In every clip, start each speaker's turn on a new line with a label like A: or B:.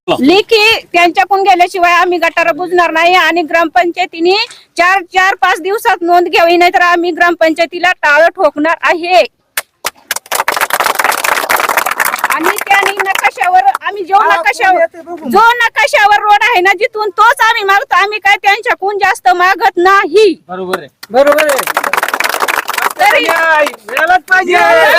A: लेखी त्यांच्याकडून गेल्याशिवाय आम्ही गटार बुजणार नाही आणि ग्रामपंचायतीने 4-5 दिवसात नोंद घ्यावी, नाही तर आम्ही ग्रामपंचायतीला टाळ ठोकणार आहे। आणि त्याने नकाशावर आम्ही जो नकाशावर रोड आहे ना जिथून तोच आम्ही मागतो, आम्ही काय त्यांच्याकडून जास्त मागत नाही।
B: बरोबर आहे
A: तरी
B: मिळालाच पाहिजे,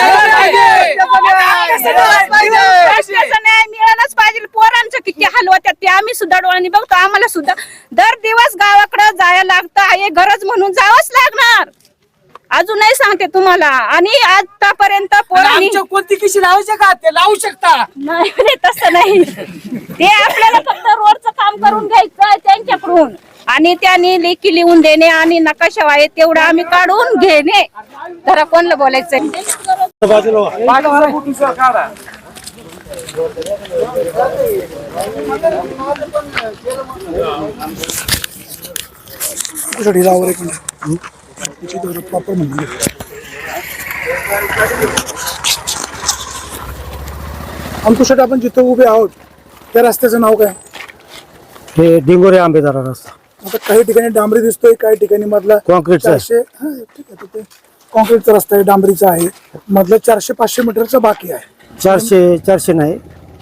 A: न्याय मिळालाच पाहिजे। पोरांचं किती हाल होतात ते आम्ही सुद्धा डोळ्यांनी बघतो, आम्हाला सुद्धा दर दिवस गावाकडे जायला लागतं, हे गरज म्हणून जावंच लागणार। अजूनही सांगते तुम्हाला, आणि आतापर्यंत पोरांनी
B: कोणती किशी लावू शकता ते लावू शकता
A: नाही, तसं नाही, ते आपल्याला फक्त रोडचं काम करून घ्यायचं त्यांच्याकडून आणि त्यांनी लेखी लिहून देणे आणि नकाशा आहे तेवढं आम्ही काढून घेणे। तर कोणला बोलायचं
C: अंकुशेट, आपण जिथे उभे आहोत त्या रस्त्याचं नाव काय?
D: हे डिंगोरे आंबेदारा रस्ता।
C: आता काही ठिकाणी डांबरी दिसतोय, काही ठिकाणी मधला
D: कॉन्क्रीटचा
C: 400 ठीक आहे, तिथे कॉन्क्रीटचा रस्ता आहे, डांबरीचा आहे, मधलं 400-500 मीटरचा बाकी आहे।
D: 400 नाही,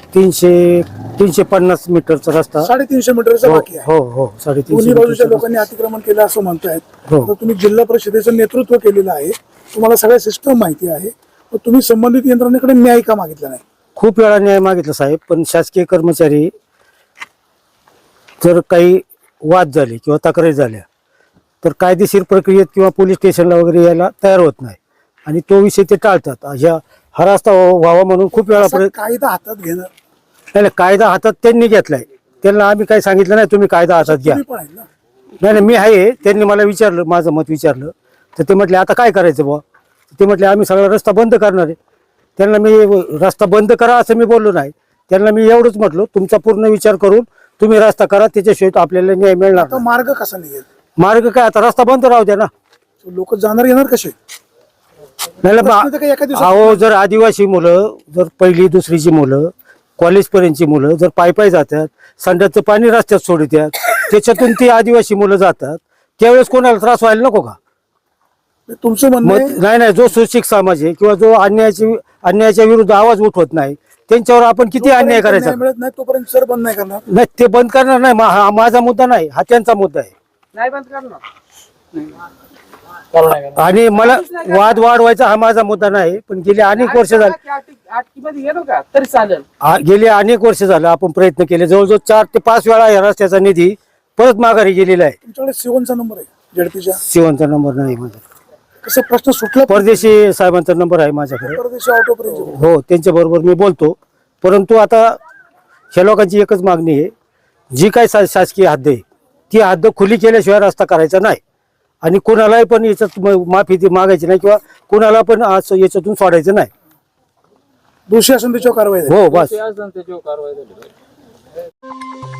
D: 350 मीटरचा रस्ता,
C: 350 मीटरचा बाकी आहे।
D: हो हो 350
C: दोन्ही बाजूच्या लोकांनी अतिक्रमण केलं असं म्हणतायत।
D: हो.
C: तर तुम्ही जिल्हा परिषदेचं नेतृत्व केलेलं आहे, तुम्हाला सगळ्या सिस्टम माहिती आहे, तर तुम्ही संबंधित यंत्रणेकडे न्याय का मागितला नाही?
D: खूप वेळा न्याय मागितला साहेब, पण शासकीय कर्मचारी जर काही वाद झाले किंवा तक्रारी झाल्या तर कायदेशीर प्रक्रियेत किंवा पोलीस स्टेशनला वगैरे यायला तयार होत नाही आणि तो विषय ते टाळतात। हा रस्ता व्हावा म्हणून खूप वेळा
C: कायदा हातात घेणार
D: नाही, कायदा हातात त्यांनी घेतलाय, त्यांना आम्ही काही सांगितलं नाही तुम्ही कायदा हातात घ्या।
C: पण आहे ना?
D: नाही, मी आहे, त्यांनी मला विचारलं, माझं मत विचारलं, तर ते म्हटले आता काय करायचं बुवा? ते म्हटले आम्ही सगळा रस्ता बंद करणार आहे। त्यांना मी रस्ता बंद करा असं मी बोललो नाही, त्यांना मी एवढंच म्हटलं तुमचा पूर्ण विचार करून तुम्ही रस्ता करा, त्याच्याशिवाय आपल्याला न्याय मिळणार
C: आता मार्ग कसा निघेल?
D: मार्ग काय, आता रस्ता बंद राहू द्या ना,
C: लोक जाणार येणार कसे?
D: अहो, जर आदिवासी मुलं, जर पहिली दुसरीची मुलं, कॉलेज पर्यंतची मुलं जर पायी जातात, संडासचं पाणी रस्त्यात सोडतात, त्याच्यातून ती आदिवासी मुलं जातात, त्यावेळेस कोणाला त्रास व्हायला नको का?
C: तुमचं म्हणणं
D: नाही, जो सुशिक्षित समाज आहे किंवा जो अन्यायाच्या विरुद्ध आवाज उठवत नाही त्यांच्यावर आपण किती अन्याय करायचा?
C: मिळत नाही तोपर्यंत सर बंद नाही करणार?
D: नाही, ते बंद करणार नाही, हा माझा मुद्दा नाही, हा त्यांचा मुद्दा आहे।
B: नाही बंद करणार
D: आणि मला वाद वाढवायचा हा माझा मुद्दा नाही, पण गेली अनेक वर्ष झाली,
B: गेलो का तरी चालेल,
D: गेली अनेक वर्ष झालं आपण प्रयत्न केले, जवळजवळ 4 ते 5 वेळा या रस्त्याचा निधी परत माघारी गेलेला आहे।
C: तुमच्याकडे सिवनचा नंबर आहे? झडपीच्या
D: शिवनचा नंबर नाही माझा,
C: कसं प्रश्न सुटला?
D: परदेशी साहेबांचा नंबर आहे माझ्याकडे,
C: परदेशी ऑटो पर्यंत
D: हो, त्यांच्या बरोबर मी बोलतो, परंतु आता ह्या लोकांची एकच मागणी आहे, जी काय शासकीय हद्द आहे ती हद्द खुली केल्याशिवाय रस्ता करायचा नाही आणि कुणालाही पण याच्यात माफी मागायची नाही किंवा कुणाला पण याच्यातून सोडायचं नाही।
C: दोषी असून त्याच्यावर कारवाई
D: हो, बस।
B: त्याच्यावर कारवाई झाली पाहिजे।